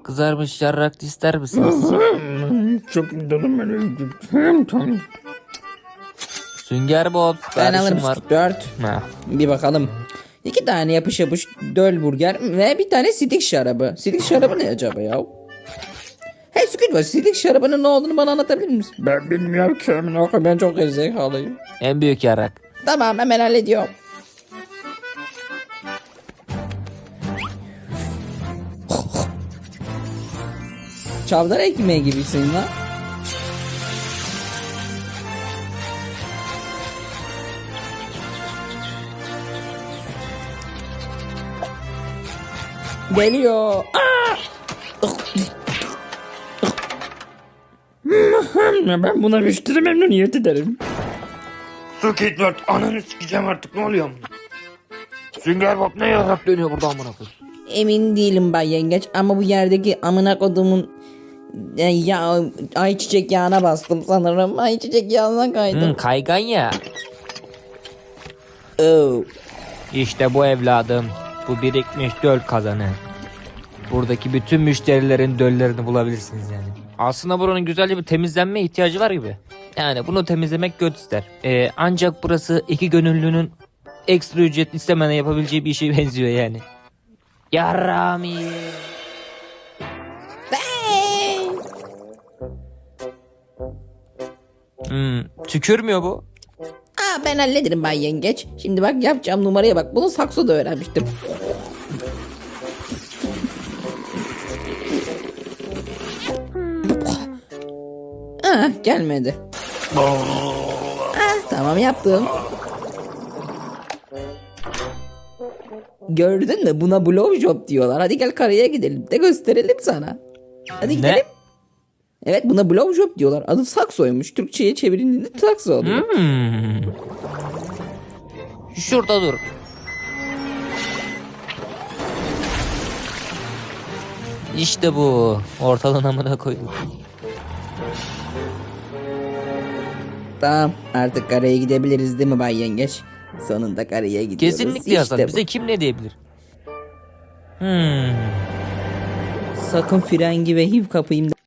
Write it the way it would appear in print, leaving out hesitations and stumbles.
Kızarmış yarrak ister misiniz? Çok canım benim. Tamam. Sünger Bob Ben alırım siparişim var. 4. Ha. Bir bakalım. 2 tane yapış yapış döl burger ve bir tane sidik şarabı. Sidik şarabı ne acaba ya? Hey Squidward, sidik şarabının ne olduğunu bana anlatabilir misin? Ben bilmiyorum ki. Ben çok gerizekalıyım. En büyük yarrak. Tamam, hemen hallediyorum. Çavdar ekmeği gibisin lan. Geliyor. Ben buna müşteri memnuniyet ederim. Squidward ananı sikeceğim artık, ne oluyor? Sünger Bob ne yarak Dönüyor buradan amına koyayım. Emin değilim ben yengeç ama bu yerdeki amına kodumun ya ayçiçek yağına bastım sanırım. Ayçiçek yağına kaydım. Kaygan ya. Oh. İşte bu evladım. Bu birikmiş döl kazanı. Buradaki bütün müşterilerin döllerini bulabilirsiniz yani. Aslında buranın güzelce bir temizlenme ihtiyacı var gibi. Yani bunu temizlemek göt ister. Ancak burası iki gönüllünün ekstra ücret istemeden yapabileceği bir işe benziyor yani. Yarami. Tükürmüyor bu. Ben hallederim ben yengeç. Şimdi bak yapacağım numaraya bak. Bunu saksoda öğrenmiştim. Gelmedi. Tamam yaptım. Gördün mü? Buna blowjob diyorlar. Hadi gel karaya gidelim de gösterelim sana. Hadi gidelim. Evet, buna blowjob diyorlar. Adı saksoymuş. Türkçe'ye çevirildiğinde sakso oluyor. Şurada dur. İşte bu. Ortalığın amına koyduk. Tamam, artık karaya gidebiliriz değil mi Bay Yengeç? Sonunda karaya gidiyoruz. Kesinlikle Hasan. İşte bu. Bize kim ne diyebilir? Sakın frengi ve HIV kapayım